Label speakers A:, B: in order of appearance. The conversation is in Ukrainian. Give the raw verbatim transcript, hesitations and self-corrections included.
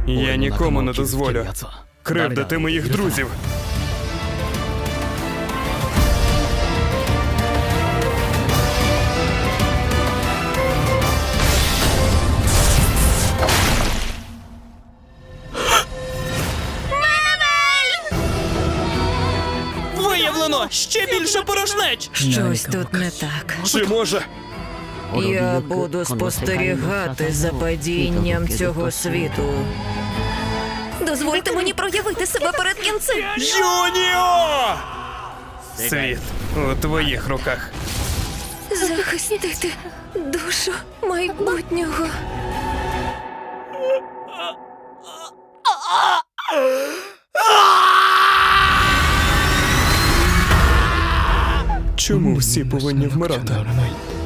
A: Я нікому не дозволю кривдити моїх друзів.
B: Виявлено ще більше порожнеч!
C: Щось тут не так.
A: Чи може?
C: Я буду спостерігати за падінням цього світу. Дозвольте мені проявити себе перед кінцем.
A: Юніо! Світ у твоїх руках.
C: Захистити душу майбутнього.
A: Чому всі повинні вмирати?